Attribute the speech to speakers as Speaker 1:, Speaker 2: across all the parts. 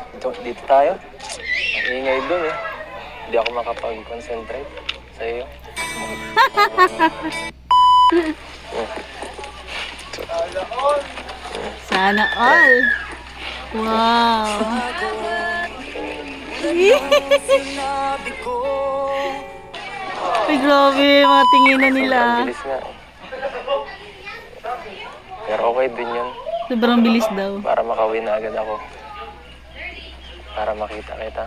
Speaker 1: Dito tayo. Ang ingay dun eh. Hindi ako makapag-concentrate sa iyo.
Speaker 2: Sana all. Wow. Ay, grabe, mga tinginan nila.
Speaker 1: Sobrang bilis nga. Pero okay din yun.
Speaker 2: Sobrang bilis daw.
Speaker 1: Para makauwi na agad ako. Para makita kita.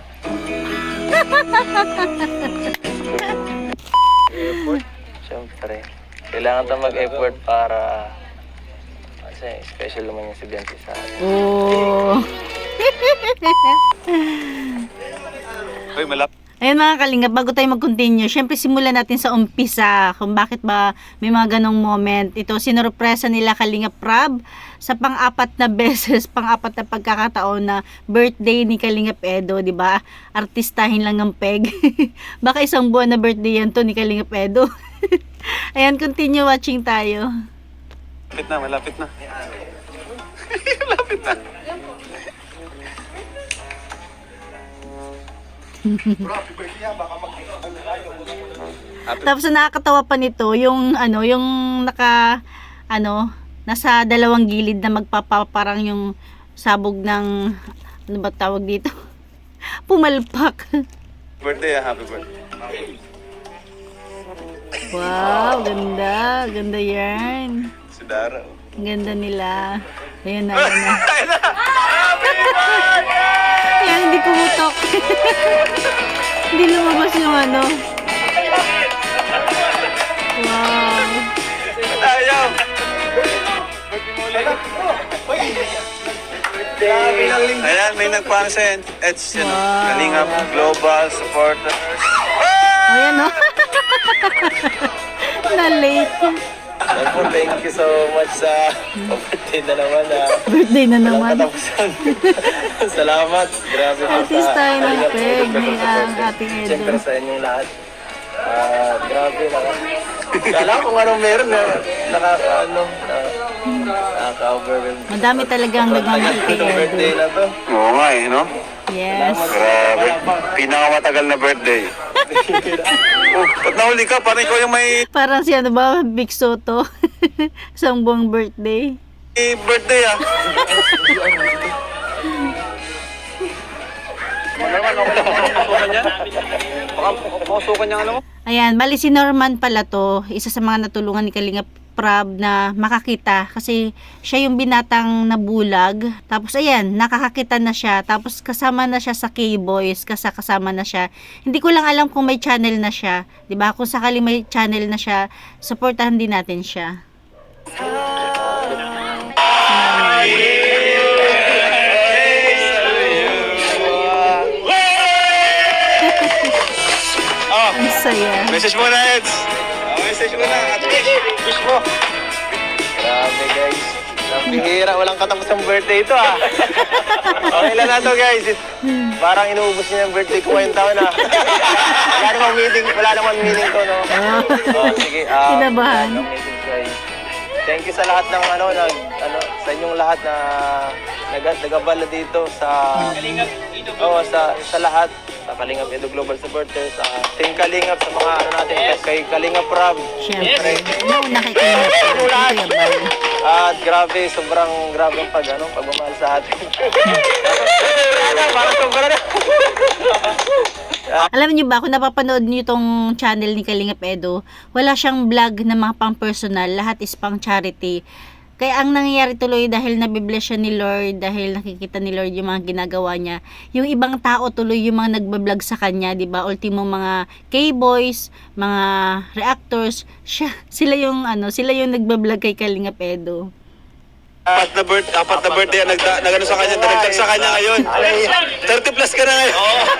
Speaker 1: Siyempre. Kailangan tayo mag-effort para... Kasi special naman yung estudyante sa atin.
Speaker 2: Oh.
Speaker 3: Uy, malap.
Speaker 2: Ayan mga kalingap, bago tayo mag-continue, syempre simulan natin sa umpisa kung bakit ba may mga ganong moment. Ito, sinurpresa nila Kalingap Prab sa pang-apat na beses, pang-apat na pagkakataon na birthday ni Kalingap Edo, di ba? Artistahin lang ng peg. Baka isang buwan na birthday yan to ni Kalingap Edo. Ayan, continue watching tayo.
Speaker 3: Malapit na, malapit na. Malapit na.
Speaker 2: Tapos nakakatawa pa nito yung yung nasa dalawang gilid na magpapaparang yung sabog ng ano ba tawag dito? Pumalpak.
Speaker 3: Birthday, happy birthday.
Speaker 2: Wow, ganda. Ganda yan.
Speaker 3: Si Dara.
Speaker 2: Ganda nila. Ayan na, ayan na. Ayan, hindi pumutok. Hindi lumabas yung ano. Wow.
Speaker 3: Ayaw! Ayan, may nagpansin. It's, Kalingap Global Supporters.
Speaker 2: Ayan o. Na-late.
Speaker 1: Thank you so much sa birthday na naman.
Speaker 2: Birthday na naman.
Speaker 1: Katapusan. Salamat. Grabe po
Speaker 2: Artist tayo ng
Speaker 1: Kalingap
Speaker 2: peg
Speaker 1: Edo
Speaker 2: ni
Speaker 1: Global
Speaker 2: ang
Speaker 1: Supporters.
Speaker 2: ating Edo.
Speaker 1: Siyempre sa inyong lahat. Grabe na. Kala ko kung anong meron na nakaka-overwhelm.
Speaker 2: Madami talagang nagmamahal kay
Speaker 1: Itong birthday
Speaker 2: Edo.
Speaker 1: na to.
Speaker 3: Oo nga eh, no?
Speaker 2: Yes.
Speaker 3: Grabe. Pinakamatagal na birthday. Oh, ba't nahuli ka? Parang ikaw yung may
Speaker 2: Parang si ano ba, Big Soto. Isang buong birthday.
Speaker 3: birthday ah. Mausukan niya ano mo?
Speaker 2: Ayan, bali si Norman pala to, isa sa mga natulungan ni Kalingap Prab na makakita kasi siya yung binatang nabulag. Tapos ayan, nakakakita na siya. Tapos kasama na siya sa K-Boys, kasama na siya. Hindi ko lang alam kung may channel na siya. 'Di ba? Kung sakali may channel na siya, supportahan din natin siya. Ang saya.
Speaker 3: Message mo na, Eds. Message mo na. At wish mo.
Speaker 1: Grabe guys. Bihira, walang katapos ng birthday ito ah. Okay lang na to guys. Parang inuubos niya yung birthday ko ngayong taon ah. Wala namang meaning to no. Sige.
Speaker 2: Kinabahan.
Speaker 1: Thank you sa lahat ng sa inyong lahat na nagabala dito sa sa lahat sa Kalingap Edo Global Supporters, Team Kalingap sa mga natin kay Kalingap Prab.
Speaker 2: Siyempre, nauna kay Kalingap Prab. Kuya Bal.
Speaker 1: At grabe, sobrang grabe ang pagmamahal sa atin. Parang sobra na.
Speaker 2: Alam niyo ba, kung napapanood niyo itong channel ni Kalingap Edo, wala siyang vlog na mga pang personal, lahat is pang charity. Kaya ang nangyayari tuloy dahil nabibless siya ni Lord, dahil nakikita ni Lord yung mga ginagawa niya, yung ibang tao tuloy yung mga nagbablog sa kanya, 'di ba? Ultimo mga K-boys, mga reactors, sila yung nagbablog kay Kalingap Edo.
Speaker 3: Apat na birthday ang nagano sa kanya, nagtag sa kanya ngayon. 30 plus ka na ngayon.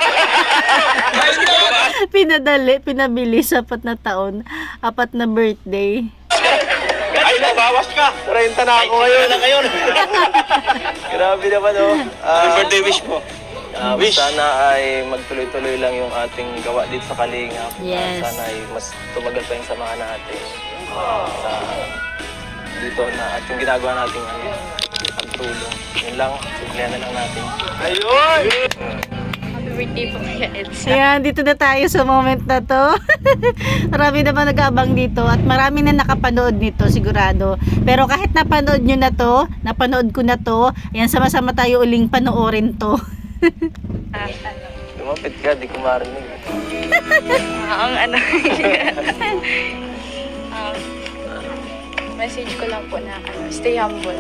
Speaker 2: Pinabili sa 4 na taon, 4 na birthday.
Speaker 3: Ay, nabawas ka.
Speaker 1: 30 na ako ngayon. Grabe naman oh.
Speaker 3: Anong birthday wish mo? Wish.
Speaker 1: Sana ay magtuloy-tuloy lang yung ating gawa dito sa Kalingap.
Speaker 2: Yes.
Speaker 1: Sana ay mas tumagal pa yung samahan natin sa dito na at yung ginagawa nating pagtulong. Yun lang. Kaya na lang natin.
Speaker 4: Happy birthday po kaya Elsa.
Speaker 2: Ayan, dito na tayo sa moment na to. Marami naman nag-aabang dito at marami na nakapanood nito sigurado. Pero kahit napanood nyo na to, napanood ko na to, ayan, sama-sama tayo uling panoorin to.
Speaker 1: Lumapit ka, di ko marinig.
Speaker 4: Ang ano. Message ko lang po na stay humble.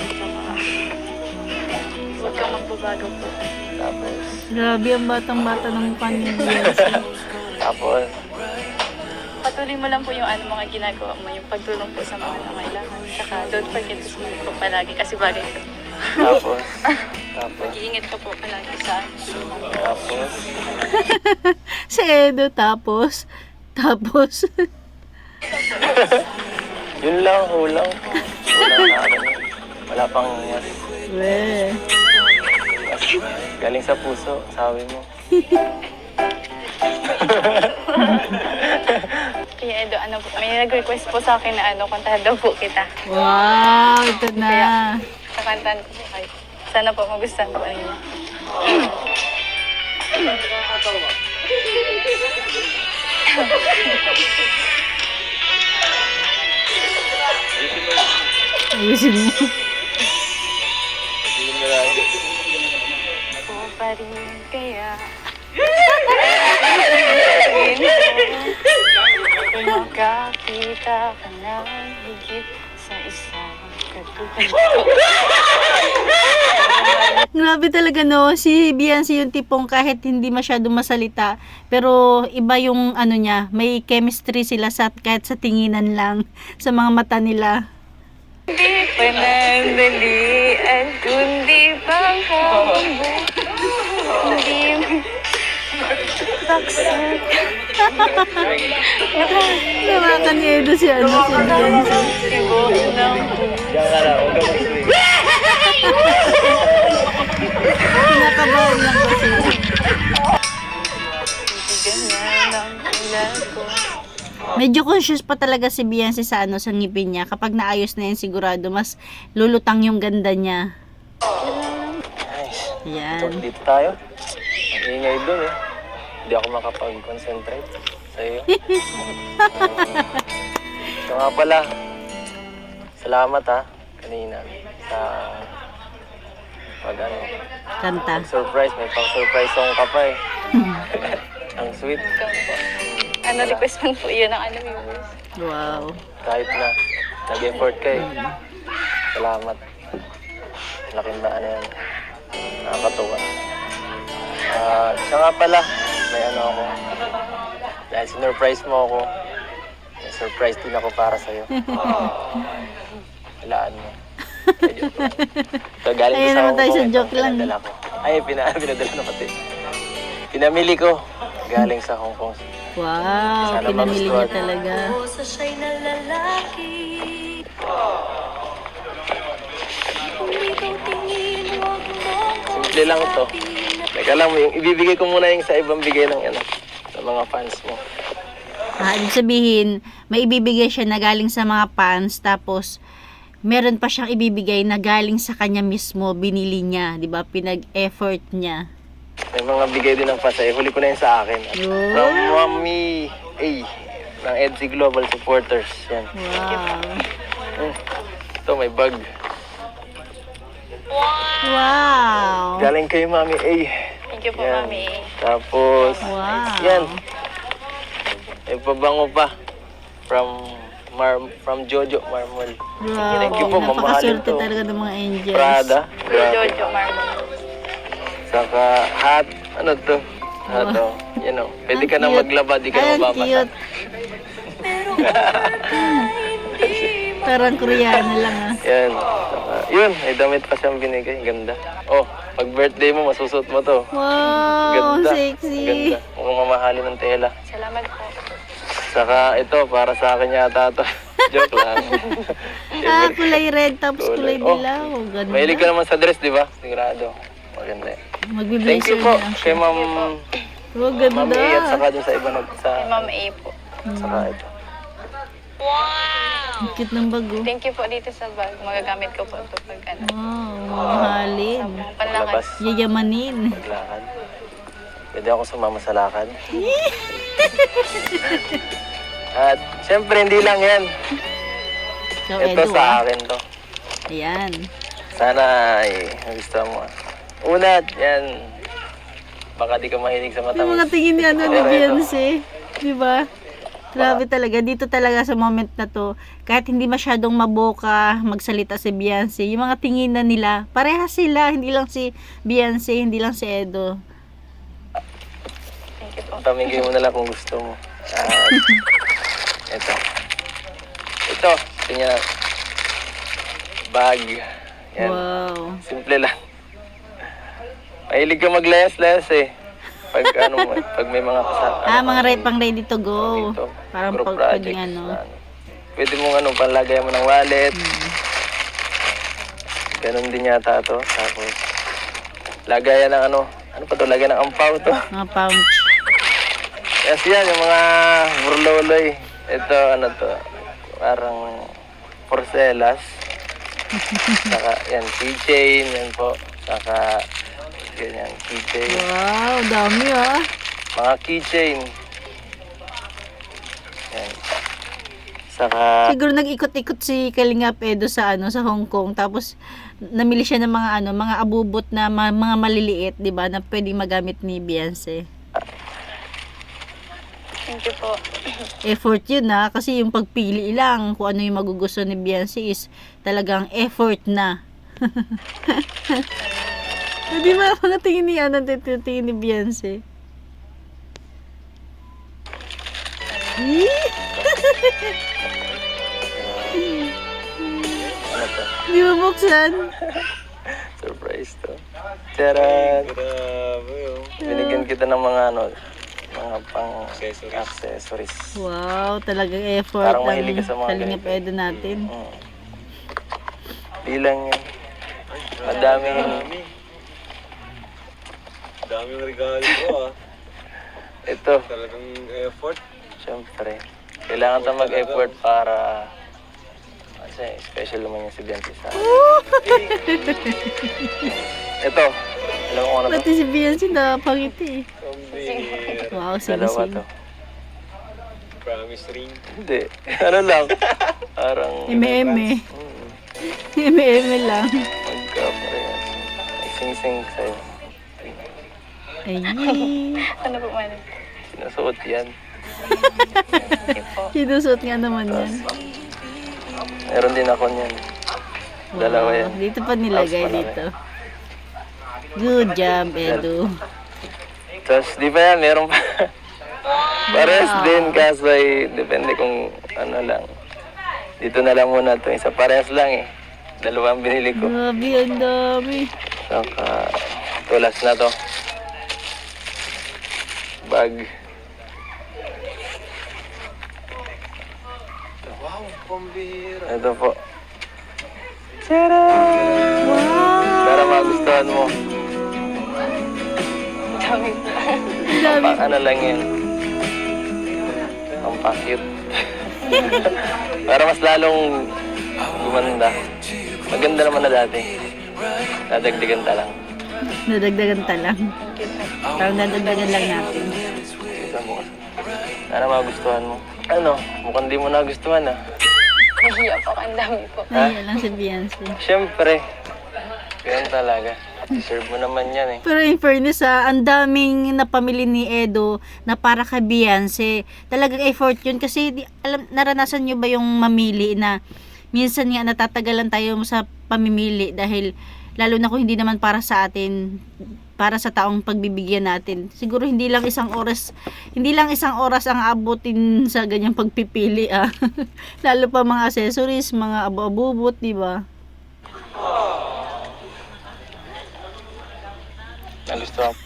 Speaker 4: Huwag kang magbabago po.
Speaker 1: Tapos,
Speaker 2: Grabe ang batang-bata ng pamilya.
Speaker 1: tapos,
Speaker 4: Patuloy mo lang po yung mga ginagawa mo, yung pagtulong po sa mga nangailangan. Saka don't forget to smile po palagi kasi bagay ko.
Speaker 1: tapos,
Speaker 4: Mag-iingat ka po palagi sa
Speaker 1: tapos,
Speaker 2: Si Edo, tapos.
Speaker 1: yun lang, hulang. Hulang na ano. Wala pang mas,
Speaker 2: Weh.
Speaker 1: mas galing sa puso, sabi mo.
Speaker 4: Kaya Edo, may nag-request po sa akin na kantahan daw po kita.
Speaker 2: Wow, ito na.
Speaker 4: Kakantahan ko po kayo. Sana po magustuhan po ninyo.
Speaker 2: Ayusin mo.
Speaker 4: Po pa rin kaya. Magkakita ka ng higit sa isang katulad.
Speaker 2: Grabe talaga no, si Beyonce yung tipong kahit hindi masyado masalita, pero iba yung ano niya, may chemistry sila kahit sa tinginan lang, sa mga mata nila.
Speaker 4: Di panandalian kundi pang hambo. Hindi baksak.
Speaker 2: Nawakan ni Edo si Beyonce.
Speaker 4: Sigo ng
Speaker 1: Diyan ka na, huwag ka mag-swing.
Speaker 2: Kinakabahan lang kasi.
Speaker 4: bibigyan na ng ulan ko.
Speaker 2: Medyo conscious pa talaga si Beyonce sa sa ngipin niya. Kapag naayos na yan sigurado, mas lulutang yung ganda niya.
Speaker 1: Nice.
Speaker 2: Yan.
Speaker 1: Dito tayo. Ang ingay dun eh. Hindi ako makapag-concentrate sa iyo. So nga pala, salamat ha, kanina sa
Speaker 2: Kanta.
Speaker 1: surprise. May pang-surprise song ka pa eh. Ang sweet.
Speaker 4: Welcome po. Request man po yun ang viewers.
Speaker 2: Wow.
Speaker 1: Kahit na nag-effort ka eh. Salamat. Laking na yan. Nakakatuwa. Siya nga pala, may ako. Dahil sinurprise mo ako, may surprise din ako para sa'yo. Walaan mo. So, galing
Speaker 2: Ayun
Speaker 1: ko
Speaker 2: naman tayo
Speaker 1: Hong
Speaker 2: sa
Speaker 1: Kong,
Speaker 2: joke
Speaker 1: ito,
Speaker 2: lang.
Speaker 1: pinadala ko. Ay, pinadala na pati. Pinamili ko, galing sa Hong Kong.
Speaker 2: Wow,
Speaker 1: Sana
Speaker 2: pinamili niya
Speaker 1: magustuhan.
Speaker 2: talaga.
Speaker 1: Simple lang to. Teka lang, ibibigay ko muna yung sa ibang bigay ng sa mga fans mo.
Speaker 2: Ibig sabihin, may ibibigay siya na galing sa mga fans, tapos meron pa siyang ibibigay na galing sa kanya mismo, binili niya, di ba? Pinag-effort niya.
Speaker 1: May mga bigay din ng fans. Huli ko na yun sa akin.
Speaker 2: Yun.
Speaker 1: From Mami A ng EDC Global Supporters. Yan.
Speaker 2: Wow.
Speaker 1: Ito, may bag.
Speaker 2: Wow.
Speaker 1: Galing kay Mami A.
Speaker 4: Thank you po,
Speaker 1: Yan.
Speaker 4: Mami.
Speaker 1: Tapos,
Speaker 2: Wow.
Speaker 1: yan. May pabango pa. From Jojo Marmol.
Speaker 2: Wow.
Speaker 1: Thank you po, mamahalin
Speaker 2: Napakaswerte
Speaker 1: to.
Speaker 2: talaga ng mga angels.
Speaker 1: Prada. Grabe.
Speaker 4: Jojo Marmon.
Speaker 1: Saka hat. Ano to? Hat oh. Yan oh. Pwede ka na
Speaker 2: Cute.
Speaker 1: maglaba, di ka
Speaker 2: Ay, ang
Speaker 1: mababasa.
Speaker 2: cute. Parang Koreano lang
Speaker 1: Yan. Saka, yun, may damit pa siyang binigay. Ganda. Oh, pag birthday mo, masusot mo to.
Speaker 2: Wow,
Speaker 1: Ganda.
Speaker 2: sexy.
Speaker 1: Ganda. Mukhang mamahalin ng tela.
Speaker 4: Salamat po.
Speaker 1: Saka ito, para sa akin yata to. Joke lang.
Speaker 2: Kulay red tapos kulay
Speaker 1: Oh,
Speaker 2: dilaw. Ganda.
Speaker 1: mahilig ka naman sa dress, di ba? Sigurado. Maganda yan. Thank
Speaker 2: Magbi-blazer
Speaker 1: you po
Speaker 2: na lang
Speaker 1: kay
Speaker 2: siya.
Speaker 1: Ma'am
Speaker 2: Oh, ganda.
Speaker 1: Ma'am A at saka dun sa iba
Speaker 4: Kay Ma'am A po.
Speaker 1: saka ito.
Speaker 2: Ang cute ng bago.
Speaker 4: Thank you po dito sa bag. Magagamit ko po ito pag ano.
Speaker 2: Wow, mahalin.
Speaker 4: Panlakas.
Speaker 1: Labas.
Speaker 2: Yayamanin.
Speaker 1: Maglakad. Pwede ako sumama sa lakad. At syempre, hindi lang yan.
Speaker 2: So,
Speaker 1: Ito
Speaker 2: Edu,
Speaker 1: sa akin to.
Speaker 2: Ayan.
Speaker 1: Sana ay gusto mo. Una, yan. Baka di ka mahilig sa
Speaker 2: Yung
Speaker 1: matamis.
Speaker 2: mga tingin ni ano ni
Speaker 1: Pero ito,
Speaker 2: Beyonce. Di ba? Grabe talaga. Dito talaga sa moment na to, kahit hindi masyadong maboka magsalita si Beyonce, yung mga tingin na nila, parehas sila. Hindi lang si Beyonce, hindi lang si Edo.
Speaker 4: Thank you po.
Speaker 1: Pamigay mo na lang kung gusto mo. At ito. Ito. Tingnan na. Bag. Yan.
Speaker 2: Wow.
Speaker 1: Simple lang. Mahilig ka maglayas-layas eh. Pag pag may mga
Speaker 2: Mga pang ready to go.
Speaker 1: dito,
Speaker 2: Parang
Speaker 1: group
Speaker 2: pag
Speaker 1: projects
Speaker 2: pwedeng ano.
Speaker 1: na pwede mong panlagay mo ng wallet. Ganun din yata to. Tapos, lagayan ng ano pa to? Lagayan ng ampaw to.
Speaker 2: Mga pouch.
Speaker 1: Yes, yan, yung mga burloloy. Ito, ano to? Parang porcelas. Saka, yan, keychain. Yan po. Saka, ganyan, keychain.
Speaker 2: Wow, dami ah.
Speaker 1: Mga keychain. Yan. Saka,
Speaker 2: Siguro nag-ikot-ikot si Kalingap Edo sa sa Hong Kong, tapos namili siya ng mga mga abubot na mga maliliit, 'di ba, na pwedeng magamit ni Beyonce.
Speaker 4: Thank you po.
Speaker 2: Effort 'yun kasi yung pagpili lang kung ano yung magugusto ni Beyonce is talagang effort na. Di ba mga tingin ni tingin ni Beyonce?
Speaker 1: ano to?
Speaker 2: Di ba buksan?
Speaker 1: Surprise to. Charan!
Speaker 3: Grabe, oh.
Speaker 1: Binigyan kita ng mga mga pang accessories.
Speaker 2: Wow, talagang effort
Speaker 1: Parang
Speaker 2: ang
Speaker 1: mahilig ka sa mga
Speaker 2: Kalingap
Speaker 1: ganito.
Speaker 2: Edo natin.
Speaker 1: Di lang yan. Madami.
Speaker 3: Daming regalo ko, ah.
Speaker 1: Ito,
Speaker 3: Talagang effort.
Speaker 1: syempre. Kailangan tayo mag-effort para kasi special naman yung si Beyonce sa akin. Ito, alam mo kung ano to?
Speaker 2: Pati si Beyonce napangiti.
Speaker 3: Pambihira.
Speaker 2: Wow,
Speaker 1: Dalawa to.
Speaker 2: sinising.
Speaker 3: Promise ring.
Speaker 1: Hindi. Ano lang. Parang
Speaker 2: Eme-eme. Eme-eme lang.
Speaker 1: magka-parehas. May sing-sing sa'yo.
Speaker 2: Ay,
Speaker 4: Ano po man?
Speaker 1: Sinusuot yan.
Speaker 4: Thank you po.
Speaker 2: sinusot nga naman yan.
Speaker 1: Meron din ako niyan. Dalawa yan.
Speaker 2: Dito pa nilagay
Speaker 1: Tapos malaki.
Speaker 2: dito. Good job, Edu.
Speaker 1: Tapos di ba yan, meron pa. Pares din kaso ay depende kung ano lang. Dito na lang muna ito. Isa pares lang eh. Dalawa ang binili ko.
Speaker 2: Grabe, ang dami.
Speaker 1: Saka tulas na to. Bag.
Speaker 3: Wow, pambihira.
Speaker 1: Ito po. Tara! Para magustuhan mo.
Speaker 4: Dami po.
Speaker 2: Ang dami.
Speaker 1: Ano lang yan. Ang pa-cute. Para mas lalong gumanda. Maganda naman na dati. Dadagdagan ta lang.
Speaker 2: Nadagdagan ta lang.
Speaker 4: Thank you po.
Speaker 2: Parang nadagdagan lang natin.
Speaker 1: Isa mo. Sana magustuhan mo. Ano? Mukhang di mo nagustuhan ah.
Speaker 4: Nahiya po. Ang dami po.
Speaker 2: Nahiya lang si Beyonce.
Speaker 1: Siyempre. Ganyan talaga. Deserve mo naman yan eh.
Speaker 2: Pero in fairness ang daming napamili ni Edo na para kay Beyonce. Talagang effort yun kasi naranasan nyo ba yung mamili na minsan nga natatagalan tayo sa pamimili dahil lalo na kung hindi naman para sa atin, para sa taong pagbibigyan natin. Siguro hindi lang isang oras ang abutin sa ganyang pagpipili Lalo pa mga accessories, mga abu-abubot, di ba?
Speaker 1: Nagustuhan mo.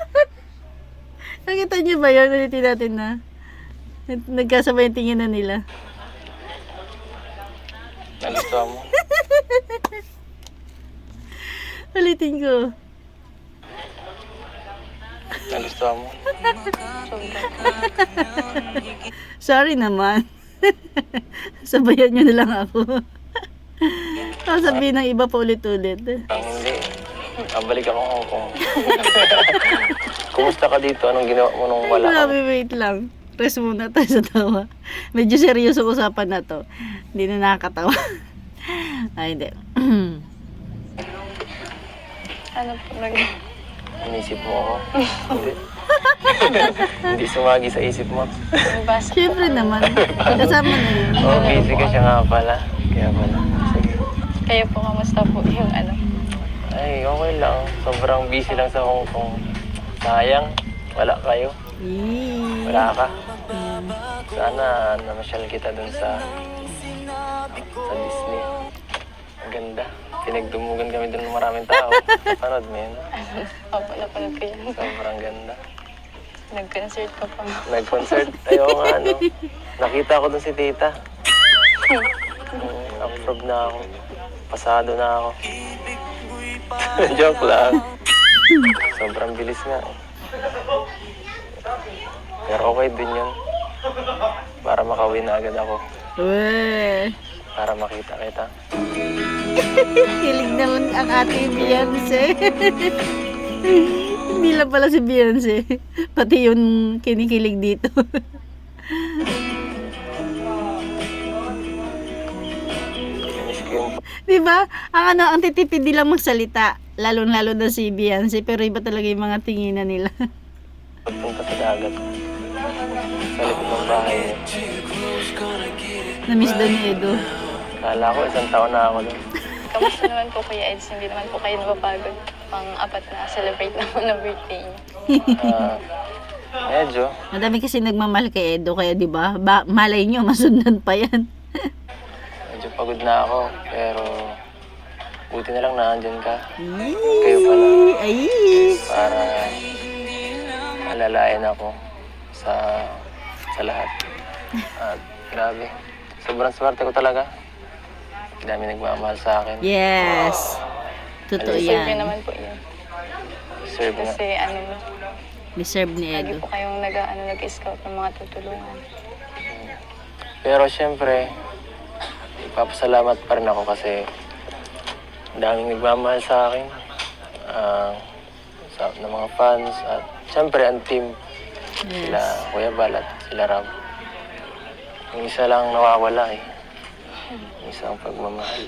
Speaker 2: Nakita niyo ba yun? Ulitin natin na. Nagkasabay yung tingin na nila.
Speaker 1: Nagustuhan mo.
Speaker 2: Ulitin ko.
Speaker 1: Nagustuhan mo.
Speaker 2: Sorry naman. Sabayan nyo na lang ako. Sasabihin ng iba pa ulit-ulit.
Speaker 1: Ang hindi. Balik ako Hong Kong. Kumusta ka dito? Anong ginawa mo nung wala ka?
Speaker 2: Grabe, wait lang. Rest muna tayo sa tawa. Medyo seryoso usapan na to. Hindi na nakakatawa. Ay, hindi.
Speaker 4: Ano po,
Speaker 1: Inisip mo ako? Hindi. Hindi sumagi sa isip mo.
Speaker 4: nagbasa.
Speaker 2: Siyempre naman. Kasama na yun.
Speaker 1: Oh, busy ka siya nga pala. Kaya pala. Sige.
Speaker 4: Kayo po, kamusta po yung ano?
Speaker 1: Ay, okay lang. Sobrang busy lang sa Hong Kong. Sayang. Wala kayo. Wala ka. Sana namasyal kita dun sa Disney. Ang ganda. Pinagdumugan kami dun ng maraming tao. Panood mo yun?
Speaker 4: Opo, napanood ko yan.
Speaker 1: Sobrang ganda.
Speaker 4: Nag-concert ko pa.
Speaker 1: Nag-concert. Ayaw nga, no? Nakita ko dun si tita. Approve na ako. Pasado na ako. Joke lang. Sobrang bilis nga. Pero okay din yun. Para makawin na agad ako.
Speaker 2: Weh.
Speaker 1: Para makita kita.
Speaker 2: Kilig naman ang ate Beyonce. Hindi lang pala si Beyonce. Pati yun kinikilig dito.
Speaker 1: Miss ko yung
Speaker 2: Diba? Ang titipid nila magsalita. Lalo-lalo na si Beyonce. Pero iba talaga yung mga tinginan nila.
Speaker 1: pagpunta sa dagat. Sa likod ng bahay niya.
Speaker 2: Na-miss daw ni Edo.
Speaker 1: Kala ko 1 taon na ako doon.
Speaker 4: Kamusta naman po, Kuya Eds? Hindi naman po kayo napapagod. Pang-apat na celebrate naman ng birthday niyo.
Speaker 1: Medyo.
Speaker 2: Madami kasi nagmamahal kay Edo. Kaya diba? Malay nyo, masundan pa yan.
Speaker 1: Medyo pagod na ako. Pero buti na lang naandyan ka. Kayo pala.
Speaker 2: Ay!
Speaker 1: Para alalayan ako sa lahat. At grabe. Sobrang swerte ko talaga. Dami nagmamahal sa akin.
Speaker 2: Yes. Totoo
Speaker 4: Deserve niyo
Speaker 2: yan.
Speaker 4: naman po yun.
Speaker 1: Deserve nga.
Speaker 4: Kasi ano,
Speaker 2: Deserve ni
Speaker 4: lagi
Speaker 2: Edo.
Speaker 4: po kayong nag-scout ng mga tutulungan.
Speaker 1: Pero syempre, ipapasalamat pa rin ako kasi daming nagmamahal sa akin. Ng mga fans at syempre ang team. Sila Kuya Bal at sila Ram. Yung isa lang nawawala eh. Yung isang pagmamahal.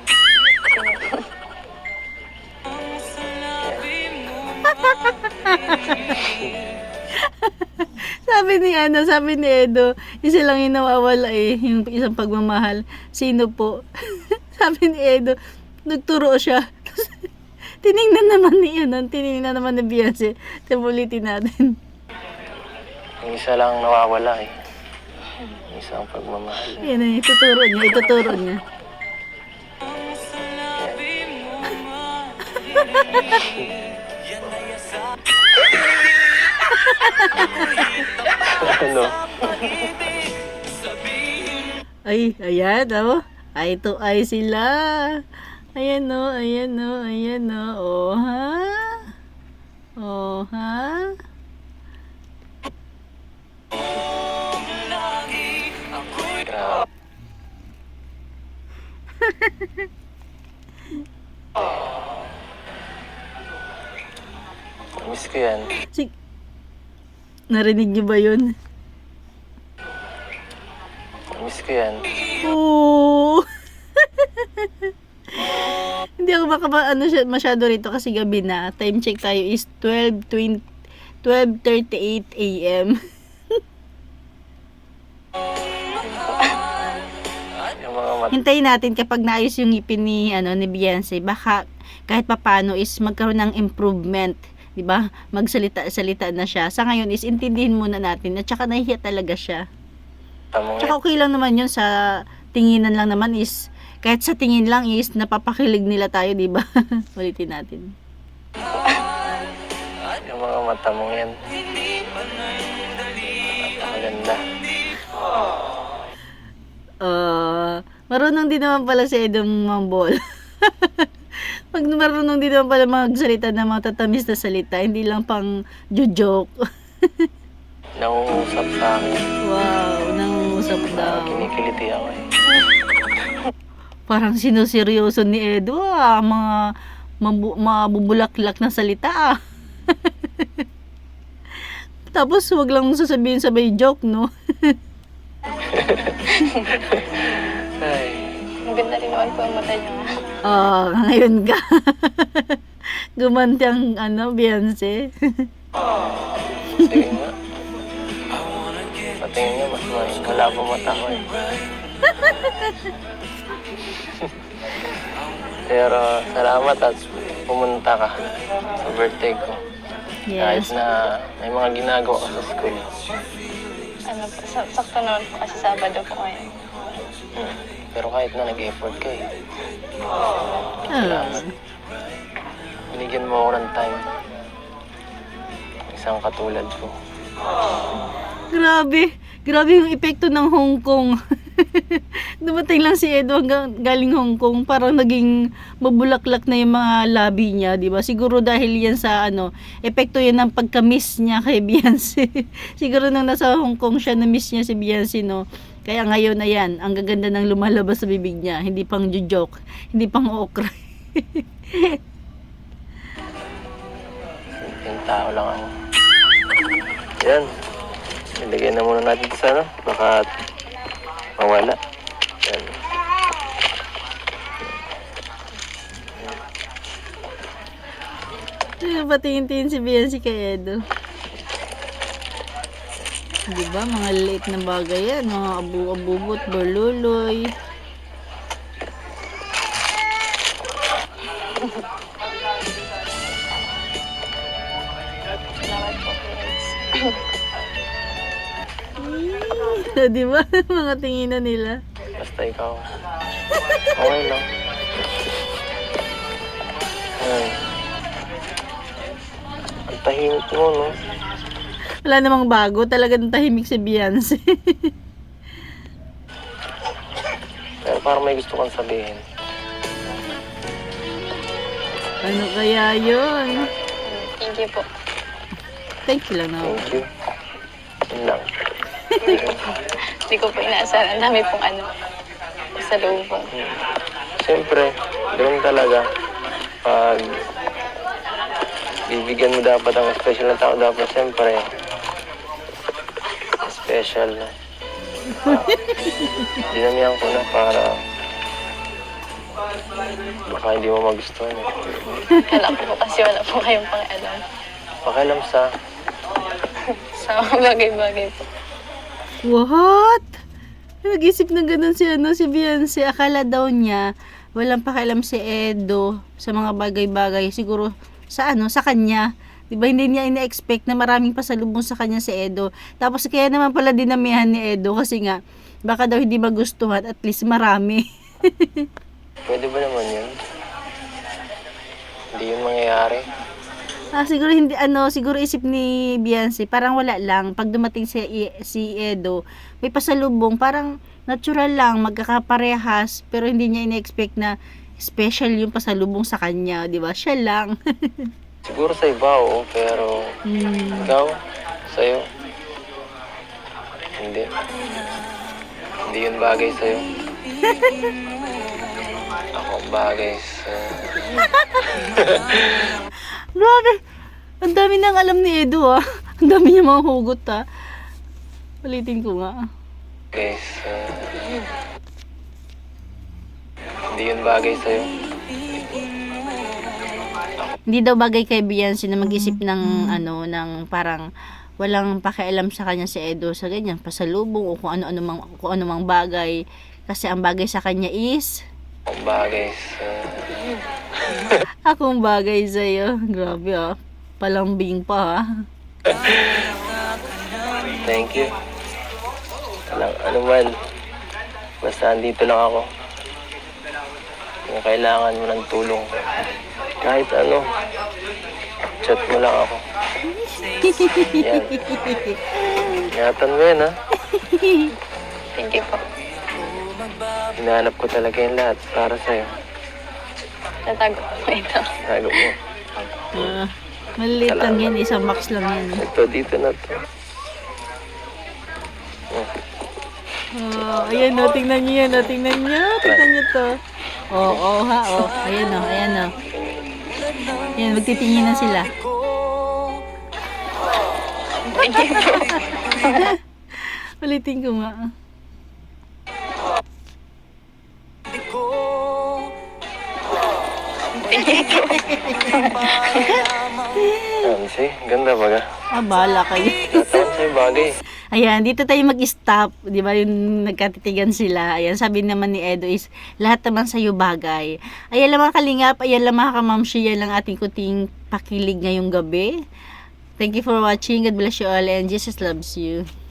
Speaker 2: Sabi ni Edo, isa lang yung nawawala eh, yung isang pagmamahal. Sino po? Sabi ni Edo, nagturo siya. Tiningnan naman ni Beyonce. Ulitin natin.
Speaker 1: Yung isa lang nawawala eh. Yung isang pagmamahal.
Speaker 2: Yan eh, ituturo niya.
Speaker 1: Ano?
Speaker 2: Ay, ayan, oh. Ay to ay sila. Ayan, oh, ayan, oh, ayan, oh. Oh, ha? Oh, ha?
Speaker 1: Grabe. Miss ko yan.
Speaker 2: Narinig niyo ba yun?
Speaker 1: Miss ko yan.
Speaker 2: Oo. Hindi ako masyado rito kasi gabi na. Time check tayo is 12:38 a.m.
Speaker 1: Yung mga
Speaker 2: Hintayin natin kapag naayos yung ngipin ni Beyonce, baka kahit papano is magkaroon ng improvement, 'di ba? Magsalita na siya. Sa ngayon is intindihin muna natin at saka nahihiya talaga siya.
Speaker 1: matamong
Speaker 2: Tsaka okay lang naman yun, sa tinginan lang naman is, kahit sa tingin lang is napapakilig nila tayo, 'di ba? Ulitin natin.
Speaker 1: yung mga mata mong yan. Napakaganda.
Speaker 2: Marunong din naman pala si Edong mambol. Marunong din naman pala magsalita ng mga tatamis na salita, hindi lang pang joke.
Speaker 1: Nangungusap sa akin.
Speaker 2: Wow, nangungusap Nag-uusap daw.
Speaker 1: Kinikiliti ako eh.
Speaker 2: Parang sinuseryoso ni Edo mga mabubulaklak na salita Tapos wag lang sasabihin sabay joke, no?
Speaker 1: Ay,
Speaker 4: Maganda rin naman po ang mata niyo.
Speaker 2: Ngayon ka. Gumanti ang Beyonce.
Speaker 1: tingin nga. Patingin nga, mas malabo mata ko eh. Pero salamat at pumunta ka sa birthday ko. Kahit
Speaker 2: Yes.
Speaker 1: na may mga ginagawa ka sa school.
Speaker 4: Ano po, sakto naman po kasi Sabado po ngayon.
Speaker 1: Pero kahit na nag-effort ka eh.
Speaker 2: Ah.
Speaker 1: Binigyan mo ako ng time. Isang katulad ko.
Speaker 2: Grabe. Grabe yung epekto ng Hong Kong. Dumating lang si Edo galing Hong Kong, parang naging mabulaklak na yung mga labi niya, di ba? Siguro dahil yan sa epekto yan ng pagka-miss niya kay Beyonce. Siguro nung nasa Hong Kong siya, na-miss niya si Beyonce, no? Kaya ngayon na yan, ang gaganda ng lumalabas sa bibig niya. Hindi pang joke, hindi pang okra.
Speaker 1: Yung tao lang ako. Yan. Ilagay na muna natin ito sa baka mawala. Yan.
Speaker 2: Patingin-tingin si Beyonce kay Edo. Di ba? Mga late na bagay yan. Mga abu-abubot, berluloy.
Speaker 4: Salamat po, friends.
Speaker 2: Di ba? Mga tinginan nila.
Speaker 1: Basta ikaw. Okay lang. Ay. Ang tahimik mo, no?
Speaker 2: Wala namang bago. Talagang tahimik si Beyonce.
Speaker 1: Pero parang may gusto kang sabihin.
Speaker 2: Ano kaya yun?
Speaker 4: Thank you po.
Speaker 2: Thank you lang na.
Speaker 1: Thank you. Yun lang.
Speaker 4: Hindi ko po inaasahan. Ang dami pong sa loob po.
Speaker 1: Siyempre, ganun talaga. Pag bibigyan mo dapat ang special na tao, dapat siyempre special na. Dinamihan ko na para baka hindi mo magustuhan eh.
Speaker 4: Kala ko po kasi wala po kayong pang-alam.
Speaker 1: Pakialam sa
Speaker 4: Sa mga bagay-bagay po.
Speaker 2: What? Nag-isip na ganun si Beyonce. Akala daw niya walang pakialam si Edo sa mga bagay-bagay. Siguro sa sa kanya. Diba hindi niya ina-expect na maraming pasalubong sa kanya si Edo. Tapos kaya naman pala dinamihan ni Edo kasi nga baka daw hindi magustuhan, at least marami.
Speaker 1: pwede ba naman yun? Hindi yun mangyayari.
Speaker 2: Siguro hindi siguro isip ni Beyonce, parang wala lang pag dumating si Edo, may pasalubong, parang natural lang magkakaparehas, pero hindi niya ina-expect na special yung pasalubong sa kanya, 'di ba? Siya lang.
Speaker 1: Siguro sa iba, oo, pero ikaw, sa'yo, hindi. Hindi yun bagay sa'yo. Ako ang bagay sa...
Speaker 2: Grabe. Ang dami nang alam ni Edo Ang dami niya mga hugot Ulitin ko nga.
Speaker 1: Guys, hindi yun bagay sa'yo.
Speaker 2: Hindi daw bagay kay Beyonce na mag-isip ng ng parang walang pakialam sa kanya si Edo sa ganyan pasalubong o kung ano mang bagay, kasi ang bagay sa kanya is
Speaker 1: Ang bagay sa...
Speaker 2: akong bagay sa'yo. Grabe palambing pa
Speaker 1: Thank you. Ano man, basta andito lang ako. Kung kailangan mo ng tulong, kahit chat mo lang ako. Yan. Ingatan mo yan, ha?
Speaker 4: Thank you po.
Speaker 1: Hinahanap ko talaga yung lahat para sa'yo.
Speaker 4: Tatago po ito.
Speaker 1: Tago mo.
Speaker 2: Maliit lang yan, isang box lang yan.
Speaker 1: Ito, dito na to.
Speaker 2: Oh, ayan o, tingnan niyo yan, o, tingnan niyo to. Oo, ha, oh, ayan o, ayan o. Ayan, magtitinginan sila. Ulitin ko nga.
Speaker 1: Si, ganda baga.
Speaker 2: Bala kayo.
Speaker 1: Natawan sa'yo bagay.
Speaker 2: Ayan, dito tayo mag-stop. Di ba yung nagkatitigan sila. Ayan, sabi naman ni Edo is, lahat naman sa'yo bagay. Ayan lang mga kalingap, ayan lang mga kamamshi, yan lang ating kuting pakilig ngayong gabi. Thank you for watching. God bless you all and Jesus loves you.